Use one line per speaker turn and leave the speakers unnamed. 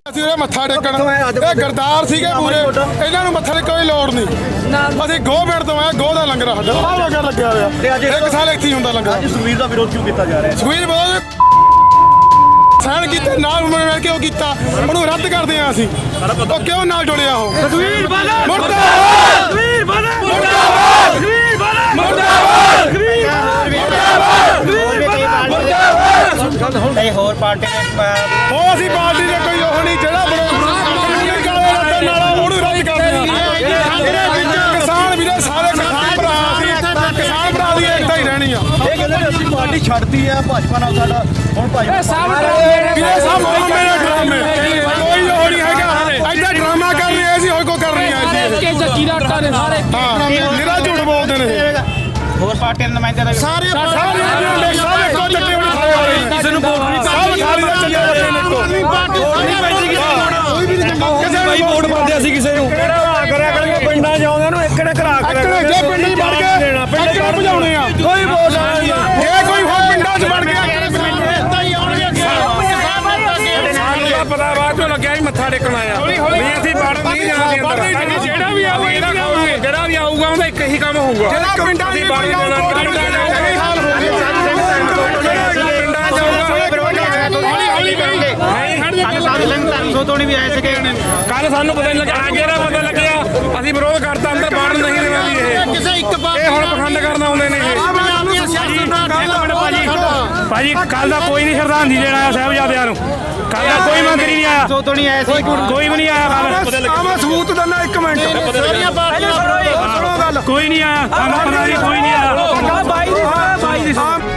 ਅਸੀਂ ਉਹ ਮੱਥਾ ਟੇਕਣ ਇਹ ਗਰਦਾਰ ਸੀਗੇ ਪੂਰੇ ਇਹਨਾਂ ਨੂੰ ਮੱਥਾ ਟੇਕਣ ਕੋਈ ਲੋੜ ਨਹੀਂ ਅਸੀਂ ਗੋਬਿੰਦ ਤੋਂ ਆਏ ਗੋਹ ਦਾ ਲੰਗਰ ਸਾਡਾ ਆਹ ਲੰਗਰ ਲੱਗਿਆ ਹੋਇਆ ਇੱਕ ਸਾਲ ਇੱਥੇ ਹੀ ਹੁੰਦਾ ਲੰਗਰ।
ਸੁਖਬੀਰ ਦਾ ਵਿਰੋਧ ਕਿਉਂ ਕੀਤਾ ਜਾ ਰਿਹਾ?
ਸੁਖਬੀਰ ਵਿਰੋਧ ਸਾਨ ਕੀਤੇ ਨਾਲ ਮਿਲ ਕੇ ਉਹ ਕੀਤਾ ਉਹਨੂੰ ਰੱਦ ਕਰਦੇ ਆ ਅਸੀਂ ਉਹ ਕਿਉਂ ਨਾਲ ਜੁੜਿਆ ਉਹ
ਸੁਖਬੀਰ ਬਾਦਲ
ਮੁਰਦਾਬਾਦ
ਸੁਖਬੀਰ ਬਾਦਲ
ਮੁਰਦਾਬਾਦ
ਸੁਖਬੀਰ ਬਾਦਲ
ਮੁਰਦਾਬਾਦ
ਕਈ ਹੋਰ ਪਾਰਟੀ
ਉਹ ਅਸੀਂ ਪਾਰਟੀ ਦੇ ਕੋਈ ਉਹ ਨਹੀਂ ਜਿਹੜਾ ਉਹਨੂੰ ਰੱਦ ਕਰਦੇ ਆ ਕਿਸਾਨ ਵੀਰੇ ਸਾਰੇ ਕਿਸਾਨ ਭਰਾ ਅਸੀਂ ਕਿਸਾਨ ਭਰਾ ਦੀ ਏਕਤਾ ਹੀ ਰਹਿਣੀ ਆ।
ਇਹ ਕਹਿੰਦੇ ਨੇ ਅਸੀਂ ਪਾਰਟੀ ਛੱਡਤੀ ਆ ਭਾਜਪਾ ਨਾਲ ਸਾਡਾ ਹੁਣ ਭਾਜਪਾ
ਵੀਰੇ ਸਭ ਮੇਰੇ ਡਰਾਮੇ ਕੋਈ ਉਹ ਨਹੀਂ ਹੈਗਾ ਐਡਾ ਡਰਾਮਾ ਕਰ ਰਹੇ ਸੀ ਹੋਰ ਕੋ ਕਰ ਰਹੀ ਆ ਜੀ
ਕੇ ਜੱਗੀ ਦਾ ਆਟਾ ਨੇ ਸਾਰੇ
ਹਾਂ ਨਿਰਾ ਝੂਠ ਬੋਲਦੇ ਨੇ
ਹੋਰ ਪਾਰਟੀਆਂ ਦੇ ਨੁਮਾਇੰਦੇ ਦਾ
ਸਾਰੇ ਸਾਰੇ ਕੋ ਚੱਟੇ ਹੋਣੇ ਖਾਏ ਵਾਲੇ ਕਿਸੇ ਨੂੰ ਵੋਟ ਨਹੀਂ ਸਭ ਖਾਲੀ ਦਾ ਚੱਲੇ ਹੋਏ ਨੇ ਕੋ ਕਿਸੇ ਨੂੰ ਵੋਟ ਪਾਉਂਦੇ ਅਸੀਂ ਕਿਸੇ ਨੂੰ
ਕਿਹੜਾ ਕਰਿਆ ਕਰਾਂਗੇ ਪਿੰਡਾਂ ਜਾਉਂਦੇ ਨੂੰ ਇੱਕੜੇ ਘਰਾ ਕਰਿਆ
ਜੇ ਪਿੰਡ ਚ ਵੜ ਗਏ ਪਿੰਡ ਚ ਭਜਾਉਣੇ ਆ
ਕੋਈ ਵੋਟ ਨਹੀਂ
ਜੇ ਕੋਈ ਹੋਰ ਪਿੰਡਾਂ ਚ ਵੜ ਗਿਆ
ਪਤਾ ਬਾਅਦ ਚੋਂ ਲੱਗਿਆ ਸੀ ਮੱਥਾ ਟੇਕਣ ਆਇਆ ਵੀ ਅਸੀਂ ਵੜ ਨਹੀਂ ਜਾਣਾ ਅੰਦਰ ਜਿਹੜਾ ਵੀ ਆਊਗਾ ਉਹਦਾ ਇੱਕ ਹੀ ਕੰਮ ਹੋਊਗਾ
ਜਿਹੜਾ ਪਿੰਡਾਂ ਦੀ ਵੜ ਜਾਣਾ ਇਹ ਹਾਲ ਹੋ
ਵੀ ਆਏ ਸੀਗੇ
ਕੱਲ ਸਾਨੂੰ ਪਤਾ ਨਹੀਂ ਲੱਗਿਆ ਅੱਜ ਜਿਹੜਾ ਪਤਾ ਲੱਗਿਆ ਅਸੀਂ ਵਿਰੋਧ ਕਰਤਾ ਅੰਦਰ ਵੜਨ ਨਹੀਂ ਦੇਣਾ ਵੀ ਇਹ ਹੁਣ ਪਖੰਡ ਕਰਨ ਆਉਂਦੇ ਨੇ ਭਾਜੀ ਕੱਲ ਦਾ ਕੋਈ ਨਹੀਂ ਸ਼ਰਧਾਂਜਲੀ ਦੇਣ ਆਇਆ ਸਾਹਿਬਜ਼ਾਦਿਆਂ ਨੂੰ ਕੱਲ ਦਾ ਕੋਈ ਮੰਤਰੀ ਨਹੀਂ ਆਇਆ
ਤੋਂ ਨਹੀਂ ਆਏ ਸੀ
ਕੋਈ ਵੀ ਨਹੀਂ ਆਇਆ
ਮੈਂ ਸਬੂਤ ਦਿੰਦਾ ਇੱਕ ਮਿੰਟ
ਕੋਈ ਨਹੀਂ ਆਇਆ ਸਾਨੂੰ ਪਤਾ ਨਹੀਂ ਕੋਈ ਨਹੀਂ ਆਇਆ
ਬਾਈ ਦੀ